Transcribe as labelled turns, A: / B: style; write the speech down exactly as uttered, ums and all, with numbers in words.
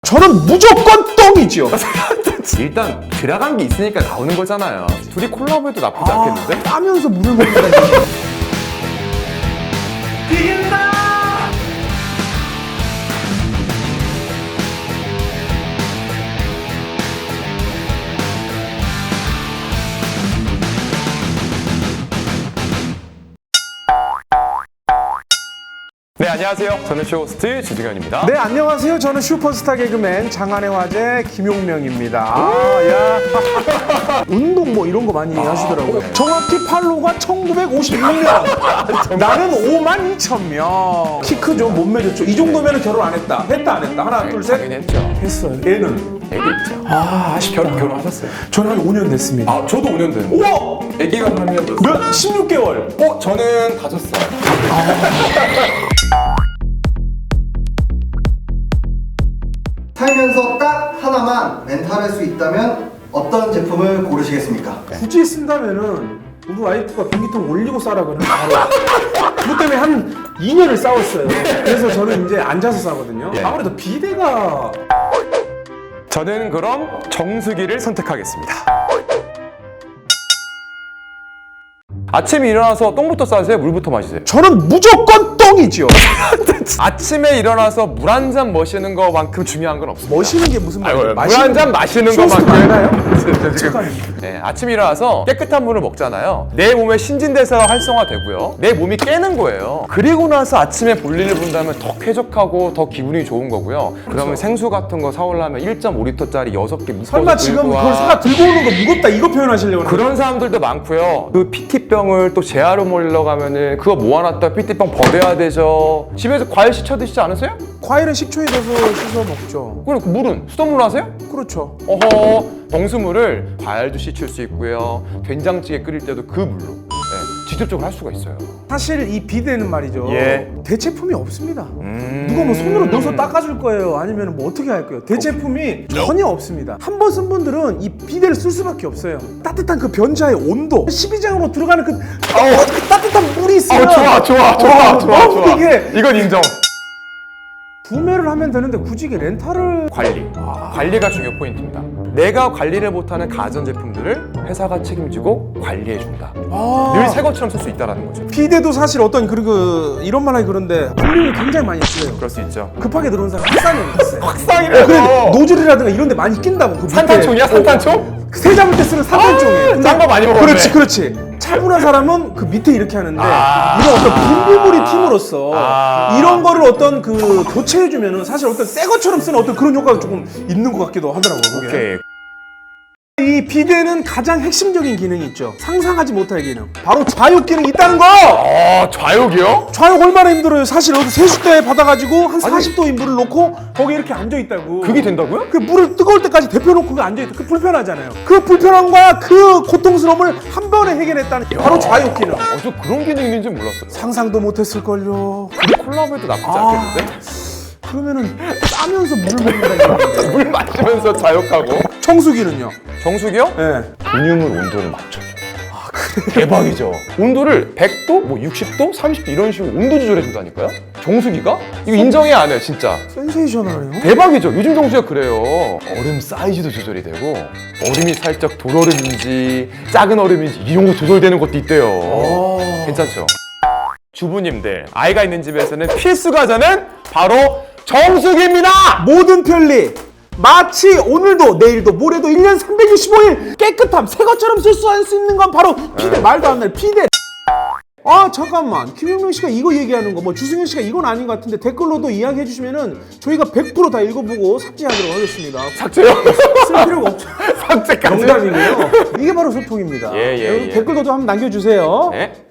A: 저는 무조건 똥이죠.
B: 일단 들어간 게 있으니까 나오는 거잖아요. 둘이 콜라보해도 나쁘지
A: 아,
B: 않겠는데?
A: 따면서 물을 먹는다.
B: 이긴다! 네, 안녕하세요. 저는 쇼호스트 주승현입니다.
A: 네, 안녕하세요. 저는 슈퍼스타 개그맨 장안의 화제 김용명입니다. 아, 야. 운동 뭐 이런 거 많이 하시더라고요.
B: 네.
A: 정확히 팔로우가 천구백오십육 명. 나는 오만 이천 명. 키 크죠? 몸매 좋죠? 이 정도면 결혼 안 했다. 했다 안 했다. 하나, 둘, 셋.
B: 당연히 했죠.
A: 했어요. 얘는?
B: 애기 있죠.
A: 아, 아쉽다.
B: 결혼, 결혼하셨어요?
A: 저는 한 오 년 됐습니다.
B: 아, 저도 오 년 됐는데.
A: 우와!
B: 애기가 한 년 됐어요.
A: 몇? 십육 개월.
B: 어, 저는 다섯 살.
C: 살면서 딱 하나만 렌탈할 수 있다면 어떤 제품을 고르시겠습니까?
A: 굳이 쓴다면은 우리 와이프가 변기통 올리고 싸라고는 바로 그것 때문에 한 이 년을 싸웠어요. 그래서 저는 이제 앉아서 싸거든요.
B: 예.
A: 아무래도 비대가
B: 저는 그럼 정수기를 선택하겠습니다. 아침에 일어나서 똥부터 싸세요? 물부터 마시세요?
A: 저는 무조건 똥이죠.
B: 아침에 일어나서 물 한 잔 마시는 거만큼 중요한 건 없습니다.
A: 머시는 게 무슨 말이에요?
B: 물 한 잔 마시는
A: 쇼호스트
B: 것만큼
A: 맞나요?
B: 지금 네, 아침에 일어나서 깨끗한 물을 먹잖아요. 내 몸의 신진대사가 활성화되고요. 내 몸이 깨는 거예요. 그리고 나서 아침에 볼일을 본다면 더 쾌적하고 더 기분이 좋은 거고요. 그러면 생수 같은 거 사오려면 일 점 오 리터짜리 여섯 개 묶어서
A: 설마 지금
B: 들고 와.
A: 그걸 사다 들고 오는 거 무겁다 이거 표현하시려고 그러는
B: 그런 사람들도 많고요. 그 피티병을 또 재활로 몰러 가면은 그거 모아놨다 피티병 버려야 되죠. 집에서 과일 씻혀 드시지 않으세요?
A: 과일은 식초에 넣어서 씻어 먹죠.
B: 그럼 그 물은 수돗물로 하세요?
A: 그렇죠.
B: 어허, 정수물을 과일도 씻을 수 있고요. 된장찌개 끓일 때도 그 물로 네, 직접적으로 할 수가 있어요.
A: 사실 이 비데는 말이죠.
B: 예.
A: 대체품이 없습니다.
B: 음...
A: 누가 뭐 손으로 넣어서 닦아줄 거예요? 아니면 뭐 어떻게 할 거예요? 대체품이 전혀 없습니다. 한 번 쓴 분들은 이 비데를 쓸 수밖에 없어요. 따뜻한 그 변자의 온도, 십이 장으로 들어가는 그, 어, 그 따뜻한 물이 있어요.
B: 어, 좋아, 좋아, 좋아,
A: 어,
B: 좋아,
A: 너무
B: 좋아.
A: 이게
B: 이건 인정.
A: 구매를 하면 되는데 굳이 이게 렌탈을
B: 관리. 관리가 중요 포인트입니다. 내가 관리를 못하는 가전제품들을 회사가 책임지고 관리해준다.
A: 아,
B: 늘 새 것처럼 쓸 수 있다는 거죠.
A: 비데도 사실 어떤 그, 그 이런 말 하기 그런데 분명히 굉장히 많이 쓰여요.
B: 그럴 수 있죠.
A: 급하게 들어온 사람 확산이 있어요.
B: 확상이래요.
A: 그래 노즐이라든가 이런 데 많이 낀다고. 그 밑에.
B: 산탄총이야, 산탄총?
A: 세 잡을 때 쓰는 산탄총이에요.
B: 아, 짠거 많이 먹었네.
A: 그렇지, 그렇지. 차분한 사람은 그 밑에 이렇게 하는데
B: 아.
A: 이런 어떤 분부물이 팀으로서
B: 아.
A: 이런 거를 어떤 그 교체해주면은 사실 어떤 새 것처럼 쓰는 어떤 그런 효과가 조금 있는 것 같기도 하더라고요. 그게.
B: 오케이.
A: 이 비데는 가장 핵심적인 기능이 있죠. 상상하지 못할 기능. 바로 좌욕 기능이 있다는 거!
B: 어, 좌욕이요?
A: 좌욕 얼마나 힘들어요. 사실 어디 세숫대에 받아가지고 한 사십 도의 물을 놓고 거기 이렇게 앉아있다고.
B: 그게 된다고요?
A: 그 물을 뜨거울 때까지 데펴놓고 그 앉아있다. 그 불편하잖아요. 그 불편함과 그 고통스러움을 한 번에 해결했다는 게 바로 좌욕 기능.
B: 어, 저 그런 기능이 있는지 몰랐어요.
A: 상상도 못했을걸요.
B: 우리 콜라보해도 나쁘지
A: 아.
B: 않겠는데?
A: 그러면은 싸면서 물을 먹는다는 얘기인데.
B: 물 마시면서 좌욕하고.
A: 청소기는요?
B: 정수기요?
A: 예.
B: 근육물 온도를 맞춰줘요. 아, 그래? 대박이죠. 온도를 백 도, 뭐 육십 도, 삼십 도 이런 식으로 온도 조절해준다니까요? 정수기가? 이거 인정해야 안 해요, 진짜.
A: 센세이셔널해요.
B: 대박이죠. 요즘 정수기가 그래요. 얼음 사이즈도 조절이 되고 얼음이 살짝 돌얼음인지 작은 얼음인지 이런 거 조절되는 것도 있대요.
A: 오.
B: 괜찮죠? 주부님들, 아이가 있는 집에서는 필수 과자는 바로 정수기입니다!
A: 모든 편리. 마치 오늘도 내일도 모레도 일 년 삼백육십오 일 깨끗함 새 것처럼 쓸 수 있는 건 바로 비데. 말도 안 돼. 비데. 아 잠깐만 김용명 씨가 이거 얘기하는 거 뭐 주승현 씨가 이건 아닌 것 같은데 댓글로도 이야기해 주시면은 저희가 백 퍼센트 다 읽어보고 삭제하도록 하겠습니다.
B: 삭제요?
A: 쓸 필요가 없죠.
B: 삭제까지?
A: 농담이고요. 이게 바로 소통입니다.
B: 예, 예,
A: 여러분
B: 예.
A: 댓글도 좀 한번 남겨주세요.
B: 네?